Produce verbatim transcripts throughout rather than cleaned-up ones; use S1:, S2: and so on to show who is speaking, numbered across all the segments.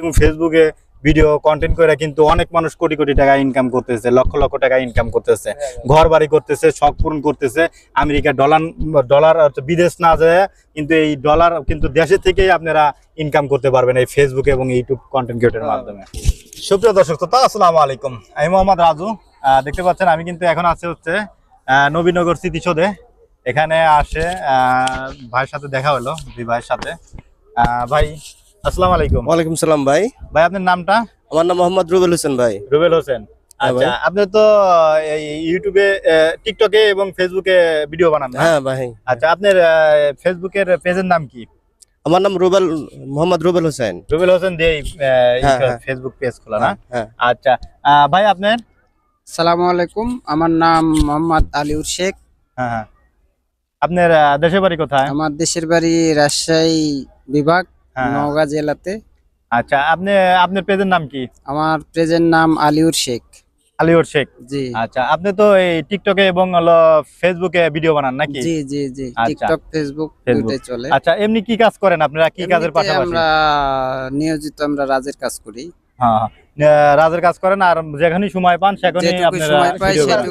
S1: এবং ফেসবুকে video content করে কিন্তু অনেক মানুষ কোটি কোটি টাকা ইনকাম করতেছে, লক্ষ লক্ষ টাকা ইনকাম করতেছে, ঘর বাড়ি করতেছে, শখ পূরণ করতেছে। আমেরিকা ডলার ডলার বিদেশ না যায় কিন্তু এই ডলার কিন্তু দেশে থেকেই আপনারা ইনকাম করতে পারবেন এই ফেসবুক এবং ইউটিউব কন্টেন্ট ক্রিয়েটরের মাধ্যমে। সুপ্রিয় দর্শক শ্রোতা, আসসালামু আলাইকুম। আমি মোহাম্মদ রাজু। দেখতে পাচ্ছেন আমি কিন্তু এখন আছি হচ্ছে নবীনগর স্মৃতিসৌধে। এখানে আসে ভাইয়ের সাথে দেখা হলো, দুই ভাইয়ের সাথে। ভাই আসসালামু আলাইকুম।
S2: ওয়ালাইকুম সালাম ভাই।
S1: ভাই আপনার নামটা?
S2: আমার নাম মোহাম্মদ রুবেল হোসেন ভাই।
S1: রুবেল হোসেন, আচ্ছা। আপনি তো ইউটিউবে, টিকটকে এবং ফেসবুকে ভিডিও বানান না?
S2: হ্যাঁ ভাই।
S1: আচ্ছা, আপনার ফেসবুকের পেজের নাম কি?
S2: আমার নাম রুবেল, মোহাম্মদ রুবেল হোসেন।
S1: রুবেল হোসেন দিয়ে ফেসবুক পেজ খোলা না? আচ্ছা ভাই আপনার?
S3: আসসালামু আলাইকুম, আমার নাম মোহাম্মদ আলিউর শেখ।
S1: হ্যাঁ হ্যাঁ। আপনার দেশের বাড়ি কোথায়?
S3: আমার দেশের বাড়ি রাজশাহী বিভাগ, নওগাঁ জেলাতে।
S1: আচ্ছা, আপনি আপনার পেজের নাম কি?
S3: আমার পেজের নাম আলিউর শেখ।
S1: আলিউর শেখ,
S3: জি।
S1: আচ্ছা, আপনি তো এই টিকটকে এবং হলো ফেসবুকে ভিডিও বানান নাকি?
S3: জি জি জি, টিকটক ফেসবুক দুটোই চলে।
S1: আচ্ছা, এমনি কি কাজ করেন আপনারা? কি কাজের পাশাপাশি?
S3: আমরা নিয়োজিত, আমরা রাজের কাজ করি।
S1: হ্যাঁ, রাজের কাজ করেন, আর যেখানেই সময় পান সেখানেই আপনারা ভিডিও করেন।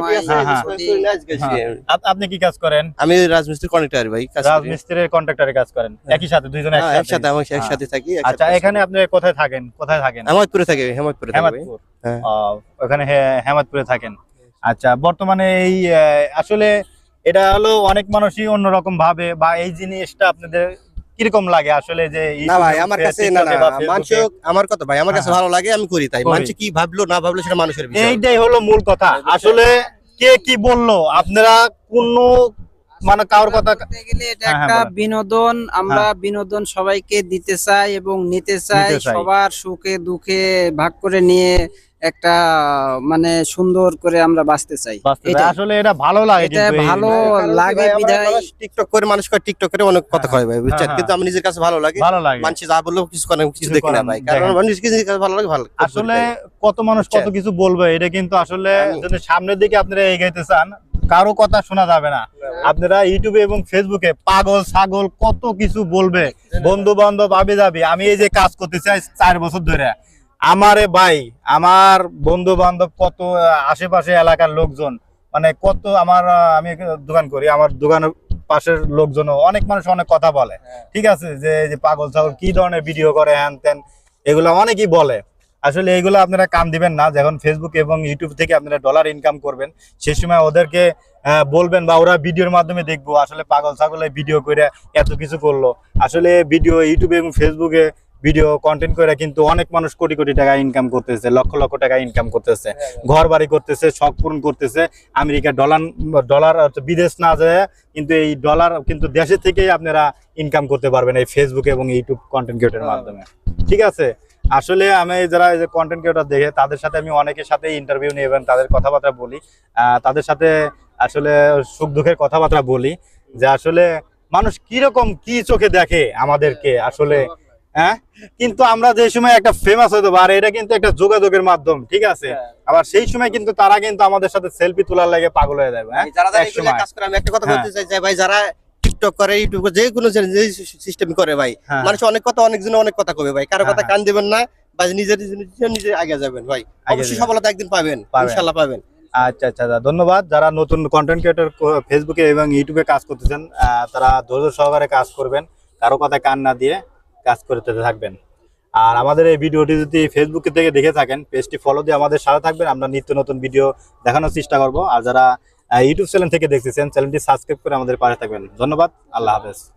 S1: আপনি কি কাজ করেন?
S2: আমি রাজমিস্ত্রি কন্ট্রাক্টর ভাই।
S1: রাজমিস্ত্রির কন্ট্রাক্টরে কাজ করেন একই সাথে, দুইজন
S2: একসাথে? আমি একসাথে থাকি।
S1: আচ্ছা, এখানে আপনি কোথায় থাকেন? কোথায় থাকেন?
S2: হেমায়তপুরে থাকি। হেমায়তপুরে থাকি।
S1: হেমায়তপুর, ওখানে হেমায়তপুরে থাকেন। আচ্ছা, বর্তমানে এই আসলে এটা হলো অনেক মানুষই অন্যরকম ভাবে, বা এই জিনিসটা আপনাদের কিরকম লাগে আসলে? যে
S2: না ভাই, আমার কাছে না না মানুষ, আমার কথা ভাই, আমার কাছে ভালো লাগে, আমি করি। তাই মানুষ কি ভাবলো না ভাবলো সেটা মানুষের বিষয়।
S1: এইটাই হলো মূল কথা। আসলে কে কি বললো, আপনারা কোনো মানে কারোর কথা
S3: বলতে গেলে এটা একটা বিনোদন। আমরা বিনোদন সবাইকে দিতে চাই এবং নিতে চাই। সবার সুখে দুঃখে ভাগ করে নিয়ে একটা মানে সুন্দর করে আমরা বাঁচতে চাই।
S1: আসলে এটা ভালো লাগে,
S3: এটা ভালো লাগে বিধায়
S2: টিকটক করে মানুষ করে, টিকটক করে অনেক কথা কয় ভাই, বুঝছেন? কিন্তু আমি নিজের কাছে ভালো লাগে,
S1: ভালো লাগে।
S2: মানুষ যা বললো কিছু করে কিছু দেখি না ভাই, কারণ মানুষ নিজের কাছে ভালো লাগে। ভালো
S1: আসলে কত মানুষ কত কিছু বলবে, এটা কিন্তু আসলে যদি সামনের দিকে আপনারা এগোতে চান কারো কথা শোনা যাবে না। আপনারা ইউটিউবে এবং ফেসবুকে পাগল ছাগল কত কিছু বলবে, বন্ধু বান্ধব আবে যাবে। আমি এই যে কাজ করতে চাই চার বছর ধরে, আমারে ভাই আমার বন্ধু বান্ধব কত আশেপাশে এলাকার লোকজন, মানে কত আমার, আমি দোকান করি, আমার দোকানের পাশের লোকজন অনেক মানুষ অনেক কথা বলে। ঠিক আছে, যে পাগল ছাগল কি ধরনের ভিডিও করে, হ্যান ত্যান, এগুলো অনেকেই বলে। আসলে এইগুলো আপনারা কান দিবেন না। যখন ফেসবুক এবং ইউটিউব থেকে আপনারা ডলার ইনকাম করবেন, সে সময় ওদেরকে বলবেন, বা ওরা ভিডিওর মাধ্যমে দেখবো আসলে পাগল ছাগলে ভিডিও করে এত কিছু করলো। আসলে ভিডিও ইউটিউবে এবং ফেসবুকে ভিডিও কন্টেন্ট করে কিন্তু অনেক মানুষ কোটি কোটি টাকা ইনকাম করতেছে, লক্ষ লক্ষ টাকা ইনকাম করতেছে, ঘর বাড়ি করতেছে, শখ পূরণ করতেছে। আমেরিকা ডলার ডলার বিদেশ না যায় কিন্তু এই ডলার কিন্তু দেশে থেকেই আপনারা ইনকাম করতে পারবেন এই ফেসবুক এবং ইউটিউব কন্টেন্ট ক্রিয়েটরের মাধ্যমে। ঠিক আছে, আসলে আমি যারা এই যে কন্টেন্ট ক্রিয়েটর দেখে তাদের সাথে আমি অনেকের সাথে ইন্টারভিউ নিই এবং তাদের কথাবার্তা বলি, তাদের সাথে আসলে সুখ দুঃখের কথাবার্তা বলি, যে আসলে মানুষ কিরকম কি চোখে দেখে আমাদেরকে আসলে। হ্যাঁ, কিন্তু আমরা যে সময় একটা ফেমাস হতে পারে, এটা কিন্তু একটা যোগাযোগের মাধ্যম। ঠিক আছে, আবার সেই সময় কিন্তু তারা কিন্তু আমাদের সাথে সেলফি তোলার লাগে পাগল হয়ে যাবে। হ্যাঁ,
S2: আমি একটা কথা বলতে চাই যে ভাই, যারা টিকটক করে, ইউটিউব করে, যে কোনো সিস্টেম করে ভাই, মানুষ অনেক কথা, অনেকজন অনেক কথা কবে ভাই, কারো কথা কান দিবেন না, বা নিজের নিজে আগে যাবেন ভাই, অবশ্যই সফলতা একদিন পাবেন, ইনশাআল্লাহ পাবেন।
S1: আচ্ছা আচ্ছা, ধন্যবাদ। যারা নতুন কন্টেন্ট ক্রিয়েটর ফেসবুকে এবং ইউটিউবে কাজ করতেছেন, তারা ধৈর্য সহকারে কাজ করবেন, কারো কথা কান না দিয়ে কাজ করতে থাকবেন। আর আমাদের এই ভিডিওটি যদি ফেসবুক থেকে দেখে থাকেন, পেজটি ফলো দিয়ে আমাদের সাথে থাকবেন, আমরা নিত্য নতুন ভিডিও দেখানোর চেষ্টা করব। আর যারা ইউটিউব চ্যানেল থেকে দেখতেছেন, চ্যানেলটি সাবস্ক্রাইব করে আমাদের পাশে থাকবেন। ধন্যবাদ, আল্লাহ হাফেজ।